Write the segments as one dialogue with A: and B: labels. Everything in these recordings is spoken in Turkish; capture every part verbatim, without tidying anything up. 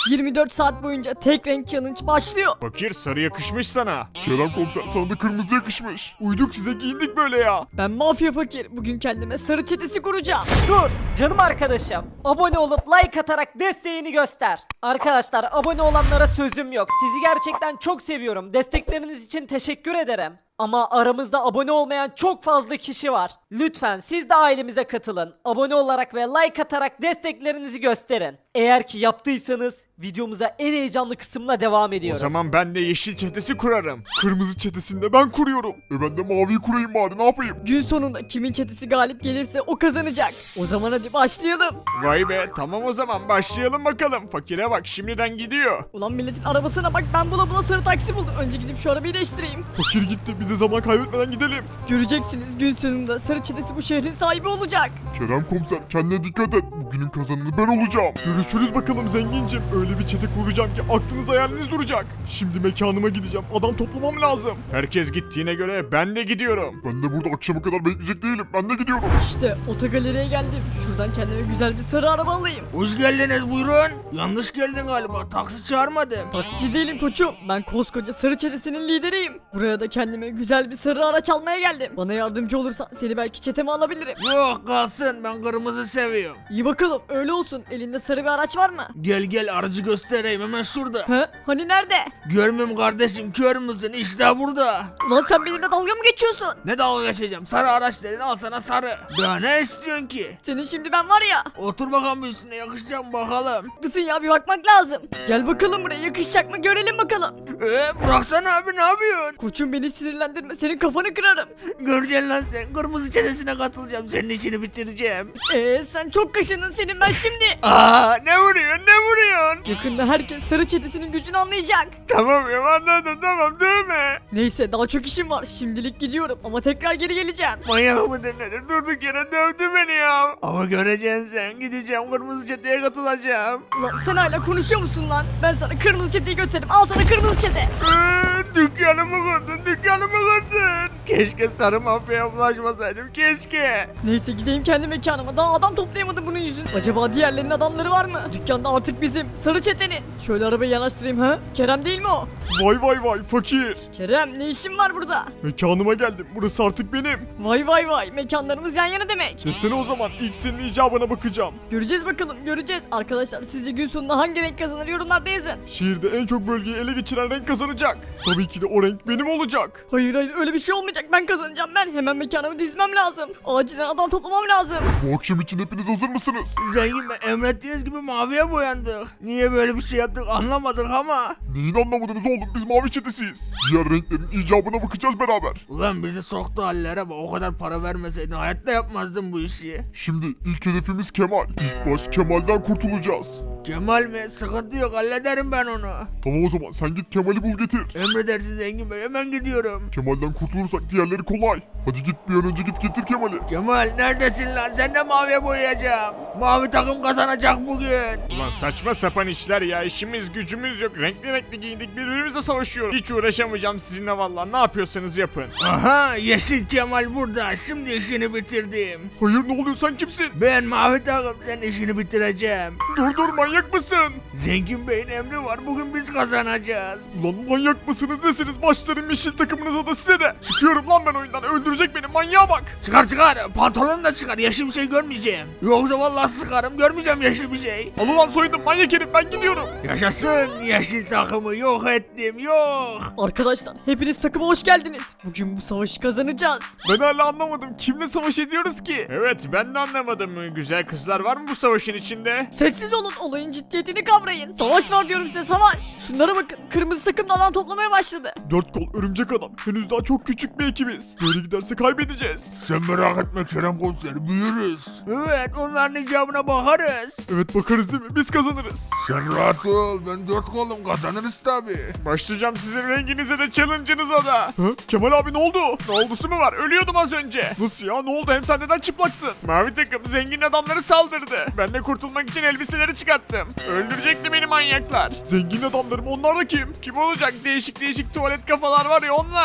A: yirmi dört saat boyunca tek renk challenge başlıyor.
B: Fakir, sarı yakışmış sana. Kerem komiser, sana da kırmızı yakışmış. Uyduk size, giyindik böyle ya.
A: Ben mafya fakir. Bugün kendime sarı çetesi kuracağım.
C: Dur canım arkadaşım. Abone olup like atarak desteğini göster. Arkadaşlar abone olanlara sözüm yok. Sizi gerçekten çok seviyorum. Destekleriniz için teşekkür ederim. Ama aramızda abone olmayan çok fazla kişi var. Lütfen siz de ailemize katılın. Abone olarak ve like atarak desteklerinizi gösterin. Eğer ki yaptıysanız videomuza en heyecanlı kısımla devam
B: O
C: ediyoruz.
B: zaman ben de yeşil çetesi kurarım. Kırmızı çetesini de ben kuruyorum. E ben de maviyi kurayım bari, ne yapayım?
A: Gün sonunda kimin çetesi galip gelirse o kazanacak. O zaman hadi başlayalım.
B: Vay be, tamam o zaman başlayalım bakalım. Fakire bak, şimdiden gidiyor.
A: Ulan milletin arabasına bak, ben bula bula sarı taksi buldum. Önce gidip şu arabayı değiştireyim.
B: Fakir gitti, biz de zaman kaybetmeden gidelim.
A: Göreceksiniz, gün sonunda sarı çetesi bu şehrin sahibi olacak.
B: Kerem komiser, kendine dikkat et. Bugünün kazananı ben olacağım. Görüşürüz bakalım zengincim. Öyle bir çete kuracağım ki aklınız hayaliniz duracak. Şimdi mekanıma gideceğim. Adam toplamam lazım. Herkes gittiğine göre ben de gidiyorum. Ben de burada akşama kadar bekleyecek değilim. Ben de gidiyorum.
A: İşte otogaleriye geldim. Şuradan kendime güzel bir sarı araba alayım.
D: Hoş geldiniz, buyurun. Yanlış geldin galiba. Taksi çağırmadım.
A: Taksici değilim koçum. Ben koskoca sarı çetesinin lideriyim. Buraya da kendime güzel bir sarı araç almaya geldim. Bana yardımcı olursan seni belki çeteme alabilirim.
D: Yok kalsın, ben kırmızı seviyorum.
A: İyi bakalım, öyle olsun. Elinde sarı bir araç var mı?
D: Gel gel, aracı göstereyim hemen şurada.
A: He? Hani nerede?
D: Görmüyorum kardeşim, kör müsün? İşte burada.
A: Ulan sen benimle dalga mı geçiyorsun?
D: Ne dalga geçeceğim? Sarı araç dedin, al sana sarı. Daha ne istiyorsun ki?
A: Senin şimdi ben var ya.
D: Otur bakalım üstüne, yakışacak mı bakalım.
A: Haklısın ya, bir bakmak lazım. Gel bakalım buraya, yakışacak mı görelim bakalım.
D: Ee, bıraksana abi, ne yapıyorsun?
A: Koçum beni sinirlendirme, senin kafanı kırarım.
D: Göreceksin lan sen, kırmızı çetesine katılacağım, senin işini bitireceğim.
A: Eee sen çok kaşındın, senin ben şimdi.
D: Aa, ne vuruyorsun, ne vuruyorsun?
A: Yakında herkes sarı çetesinin gücünü anlayacak.
B: Tamam ya, anladım, tamam değil mi?
A: Neyse, daha çok işim var. Şimdilik gidiyorum ama tekrar geri geleceğim.
D: Manyak mıdır nedir? Durduk yere dövdü beni ya. Ama göreceksin sen, gideceğim kırmızı çeteye katılacağım.
A: Ulan sen hala konuşuyor musun lan? Ben sana kırmızı çeteyi göstereyim. Al sana kırmızı çete.
D: Ee, dükkanımı kırdın, dükkanımı kırdın. Keşke sarı mafyaya bulaşmasaydım, keşke.
A: Neyse gideyim kendi mekanıma. Daha adam toplayamadım bunun yüzünden. Acaba diğerlerinin adamları var mı? Dükkanda artık bizim. Sarı çetenin. Şöyle arabayı yanaştırayım ha. Kerem değil mi o?
B: Vay vay vay fakir.
A: Kerem ne işin var burada?
B: Mekanıma geldim. Burası artık benim.
A: Vay vay vay. Mekanlarımız yan yana demek.
B: Desene o zaman, ilk senin icabına bakacağım.
A: Göreceğiz bakalım, göreceğiz. Arkadaşlar sizce gün sonunda hangi renk kazanır, yorumlarda yazın.
B: Şehirde en çok bölgeyi ele geçiren renk kazanacak. Tabii ki de o renk benim olacak.
A: Hayır hayır, öyle bir şey olmayacak. Ben kazanacağım ben. Hemen mekanımı dizmem lazım. Acilen adam toplamam lazım.
B: Bu akşam için hepiniz hazır mısınız?
D: Zengin Bey, emrettiğiniz gibi maviye boyandık. Niye böyle bir şey yaptık anlamadık ama.
B: Neyin anlamadınız oğlum, biz mavi çetesiyiz. Diğer renklerin icabına bakacağız beraber.
D: Ulan bizi soktu hallere bak, o kadar para vermeseydin hayatta yapmazdım bu işi.
B: Şimdi ilk hedefimiz Kemal. İlk baş Kemal'den kurtulacağız.
D: Kemal mi? Sıkıntı yok, hallederim ben onu.
B: Tamam o zaman, sen git Kemal'i bul getir.
D: Emredersin Zengin Bey, hemen gidiyorum.
B: Kemal'den kurtulursak diğerleri kolay. Hadi git, bir an önce git getir Kemal'i.
D: Kemal neredesin lan? Sen de maviye boyayacağım. Mavi takım kazanacak bugün.
B: Ulan saçma sapan işler ya, işimiz gücümüz yok. Renkli renkli giyindik, birbirimizle savaşıyoruz. Hiç uğraşamayacağım sizinle vallahi, ne yapıyorsanız yapın.
D: Aha, yeşil Kemal burada. Şimdi işini bitirdim.
B: Hayır, ne oluyor, sen kimsin?
D: Ben mavi takım, senin işini bitireceğim.
B: Dur dur, manyak mısın?
D: Zengin Bey'in emri var, bugün biz kazanacağız.
B: Ulan manyak mısınız nesiniz, başlarım yeşil takımınıza da size de. Çıkıyorum lan ben oyundan, öldürecek beni, manyağa bak.
D: Çıkar çıkar, pantolonu da çıkar, yeşil bir şey görmeyeceğim. Yoksa vallahi sıkarım, görmeyeceğim yeşil bir şey.
B: Al ulan soydum manyak herif, ben gidiyorum.
D: Yaşasın, yeşil takımı yok ettim, yok.
A: Arkadaşlar hepiniz takıma hoş geldiniz. Bugün bu savaşı kazanacağız.
B: Ben hala anlamadım, kimle savaş ediyoruz ki? Evet, ben de anlamadım. Güzel kızlar var mı bu savaşın içinde?
A: Sessiz olun, olayın ciddiyetini kavrayın. Savaş var diyorum size, savaş. Şunlara bakın, kırmızı takım da adam toplamaya başladı.
B: Dört kol örümcek adam, henüz daha çok küçük bir ekibiz. Böyle giderse kaybedeceğiz.
D: Sen merak etme Kerem Komiser, büyürüz. Evet, onların icabına bakarız.
B: Evet bakarız değil mi? Biz kazanırız.
D: Sen rahat ol, ben dört kolum, kazanırız tabi.
B: Başlayacağım sizin renginize de challenge'ınıza da. Hı? Kemal abi ne oldu? Ne oldusu mu var? Ölüyordum az önce. Nasıl ya? Ne oldu? Hem sen neden çıplaksın? Mavi takım zengin adamları saldırdı. Ben de kurtulmak için elbiseleri çıkarttım. Öldürecekti beni manyaklar. Zengin adamlarım, onlar da kim? Kim olacak? Değişik değişik tuvalet kafalar var ya, onlar.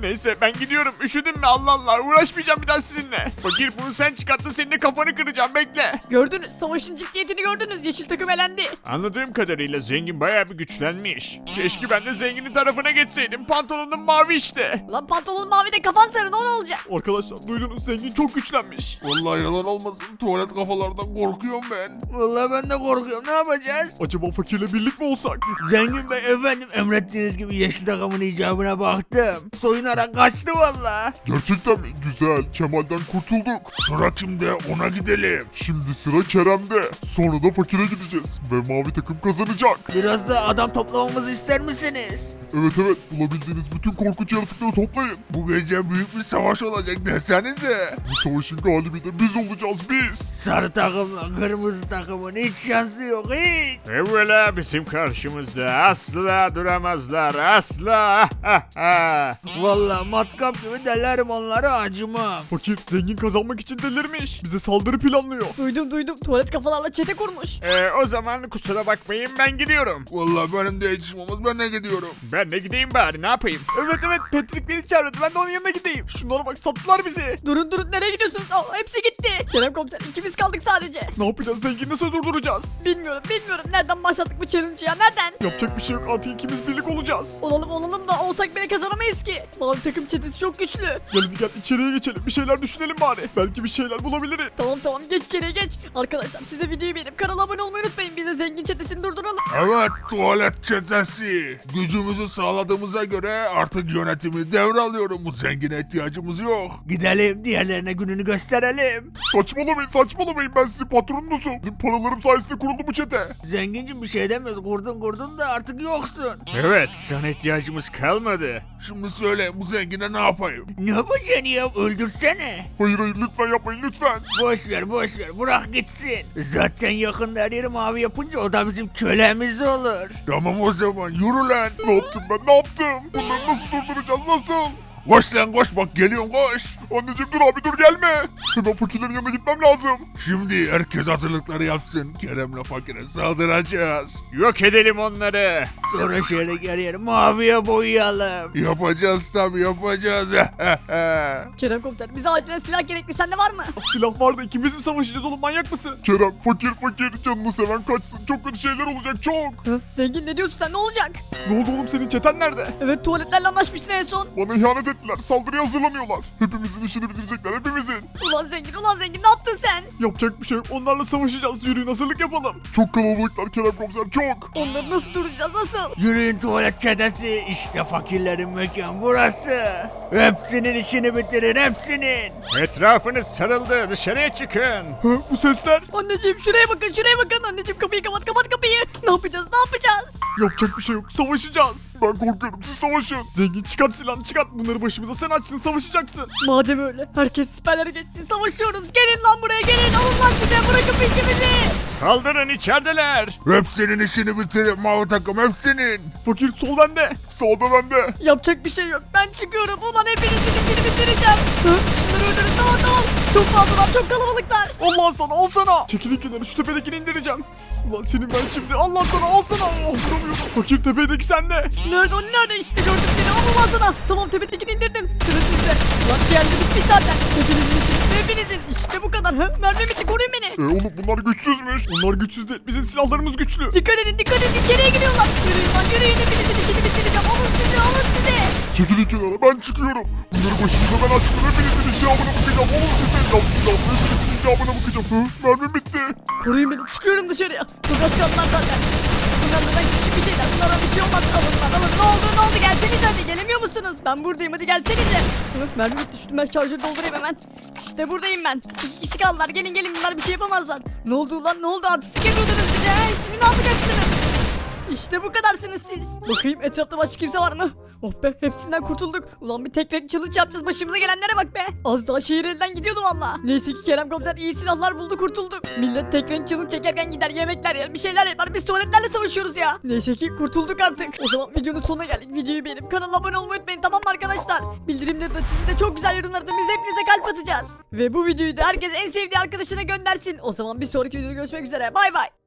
B: Neyse ben gidiyorum. Üşüdün mü? Allah Allah. Uğraşmayacağım bir daha sizinle. Fakir bunu sen çıkarttın. Senin de kafanı kıracağım. Bekle.
A: Gördünüz, savaşın ciddiyetini gördünüz. Yeşil takım elendi.
B: Anladığım kadarıyla zengin bayağı bir güçlenmiş. Keşke ben de zenginin tarafına geçseydim. Pantolonum mavi işte.
A: Lan pantolon mavi de kafan sarı, ne olacak?
B: Arkadaşlar duydunuz, zengin çok güçlenmiş.
D: Vallahi yalan olmasın, tuvalet kafalardan korkuyorum ben. Vallahi ben de korkuyorum, ne yapacağız?
B: Acaba fakirle birlik mi olsak?
D: Zengin Bey efendim, emrettiğiniz gibi yeşil takımın icabına baktım. Soyunarak kaçtı valla.
E: Gerçekten mi? Güzel. Kemal'den kurtulduk. Sıra kimde? Ona gidelim. Şimdi sıra Kerem'de. Sonra da fakire gideceğiz. Ve mavi takım kazanacak.
D: Biraz da adam toplamamızı ister misiniz?
E: Evet evet. Bulabildiğiniz bütün korkunç yaratıkları toplayın. Bu gece büyük bir savaş olacak desenize. Bu savaşın galibi de biz olacağız biz.
D: Sarı takımla kırmızı takımın hiç şansı yok hiç.
B: Evvela bizim karşımızda asla duramazlar, asla.
D: Valla matkap gibi delerim onları, acımam.
B: Fakir zengin kazanmak için delirmiş. Bize saldırı planlıyor.
A: Duydum duydum, tuvalet kafalarla çete kurmuş.
B: Ee, o zaman kusura bakmayın, ben gidiyorum.
E: Vallahi benim de işim olmaz. Ben de gidiyorum.
B: Ben de gideyim bari, ne yapayım? Evet evet, Patrick beni çağırdı, ben de onun yanına gideyim. Şunlara bak, sattılar bizi.
A: Durun durun, nereye gidiyorsunuz? Aa, hepsi gitti. Kerem komiser, ikimiz kaldık sadece.
B: Ne yapacağız, zengini nasıl durduracağız?
A: Bilmiyorum bilmiyorum, nereden başlattık bu challenge'ı ya, nereden?
B: Yapacak bir şey yok, artık ikimiz birlik olacağız.
A: Olalım olalım da olsak bile kazanamayız ki. Mavi takım çetesi çok güçlü.
B: Gel hadi gel, içeriye geçelim, bir şeyler düşünelim bari. Belki bir şeyler bulabiliriz.
A: Tamam tamam, geç içeriye geç. Arkadaşlar siz de videoyu beğenip kanala abone olmayı unutmayın. Biz de zengin çetesini durduralım.
E: Evet, tuvalet çetesi. Gücümüzü sağladığımıza göre artık yönetimi devralıyorum. Bu zengine ihtiyacımız yok.
D: Gidelim diğerlerine gününü gösterelim.
E: Saçmalamayın, saçmalamayın. Ben sizin patronunuzum. Benim paralarım sayesinde kuruldu bu çete.
D: Zengincim bir şey demiyoruz, kurdun kurdun da artık yoksun.
B: Evet, sana ihtiyacımız kalmadı.
E: Şimdi söyle, bu zengine ne yapayım?
D: Ne yapacaksın ya, öldürsene.
E: Hayır hayır, lütfen yapmayın lütfen.
D: Boş ver boş ver, bırak gitsin. Zaten yakında her yeri mavi yapınca o da bizim kölemiz olur.
E: Tamam o zaman, yürü lan. Ne yaptım ben, ne yaptım? Bunları nasıl durduracağız, nasıl? Koş lan koş, bak geliyorum koş. Anneciğim dur abi, dur gelme. Hemen fakirlerin yanına gitmem lazım. Şimdi herkes hazırlıkları yapsın. Kerem'le fakire saldıracağız.
B: Yok edelim onları.
D: Sonra şöyle her yeri maviye boyayalım.
E: Yapacağız tabii, yapacağız.
A: Kerem komiser, bize acilen silah gerekli, sende var mı?
B: Silah var da ikimiz mi savaşacağız oğlum, manyak mısın?
E: Kerem fakir fakir, canını seven kaçsın. Çok kötü şeyler olacak, çok.
A: Hı? Zengin ne diyorsun sen, ne olacak?
B: Ne oldu oğlum, senin çeten nerede?
A: Evet, tuvaletlerle anlaşmıştın en son.
E: Bana ihanet ettiler, saldırıya hazırlanıyorlar. Hepimizin işini bitirecekler, hepimizin.
A: Ulan zengin, ulan zengin, ne yaptın sen?
B: Yapacak bir şey yok, onlarla savaşacağız, yürüyün hazırlık yapalım.
E: Çok kalabalıklar Kerem komiser, çok.
A: Onları nasıl duracağız, nasıl?
D: Yürüyün tuvalet çetesi, işte fakirlerin mekan burası. Hepsinin işini bitirin, hepsinin.
B: Etrafınız sarıldı, dışarıya çıkın. Hı, bu sesler?
A: Anneciğim şuraya bakın, şuraya bakın. Anneciğim kapıyı kapat, kapat kapıyı. Ne yapacağız, ne yapacağız?
B: Yapacak bir şey yok, savaşacağız.
E: Ben korkuyorum, siz savaşın.
B: Zengin çıkart silahını, çıkart, bunları başımıza sen açtın, savaşacaksın.
A: Madem öyle, herkes siperlere geçsin, savaşıyoruz. Gelin lan buraya, gelin, alın lan size, bırakın peşimizi.
B: Saldırın, içerideler.
E: Hepsinin işini bitirin, mavi takım hepsinin.
B: Fakir sol bende.
E: Sağda bende.
A: Yapacak bir şey yok, ben çıkıyorum. Ulan hepinizin işini bitireceğim. Hı? Şunları öldürün, tamam tamam. Çok fazlalar, çok kalabalıklar.
B: Allah sana, al sana. Çekilin kenara, şu tepedekini indireceğim. Ulan senin ben şimdi, Allah sana, al sana. Oh, vuramıyorum. Fakir tepedeki sende.
A: Nerede o, nerede? İşte gördüm seni, al ulan sana. Tamam, tepedekini indirdim. Sıra sizde. Ulan diğerleri bitmiş zaten. Hepinizin işini, hepinizin. İşte bu kadar. Hı? Mermi bitti, koruyun beni.
E: E oğlum bunlar güçsüzmüş.
B: Onlar güçsüz değil, bizim silahlarımız güçlü.
A: Dikkat edin, dikkat edin, içeriye giriyorlar. Yürüyün lan, yürüyün, hepinizin işini bitireceğim. Alın sizi, alın sizi.
E: Çekilin kenara, ben çıkıyorum. Bunları başımıza ben açtım, hepinizin icabına bakacağım. Oğlum sizin icabına, hepinizin icabına bakacağım. Hı? Mermim bitti.
A: Koruyun beni, çıkıyorum dışarıya. Çok az kaldılar zaten. Bunlar neden küçük bir şeyler, bunlara bir şey olmaz. Alın lan, alın. Ne oldu, ne oldu? Gelsenize hadi, gelemiyor musunuz? Ben buradayım, hadi gelsenize. Hı, mermi bitti, şu ben şarjörü doldurayım hemen. İşte buradayım ben. İki kişi kaldılar, gelin gelin, bunlar bir şey yapamazlar. Ne oldu lan, ne oldu? Artistik yapıyordunuz bize. He, şimdi ne yapacaksınız? İşte bu kadarsınız siz. Bakayım etrafta başka kimse var mı? Oh be, hepsinden kurtulduk. Ulan bir tek renk challenge yapacağız, başımıza gelenlere bak be. Az daha şehir elden gidiyordu valla. Neyse ki Kerem komiser iyi silahlar buldu, kurtulduk. Millet tek renk challenge çekerken gider yemekler yer, bir şeyler yapar, biz tuvaletlerle savaşıyoruz ya. Neyse ki kurtulduk artık. O zaman videonun sonuna geldik. Videoyu beğenip kanala abone olmayı unutmayın, tamam mı arkadaşlar? Bildirimleri de açın, de çok güzel yorumlarda biz hepinize kalp atacağız. Ve bu videoyu da herkes en sevdiği arkadaşına göndersin. O zaman bir sonraki videoda görüşmek üzere, bay bay.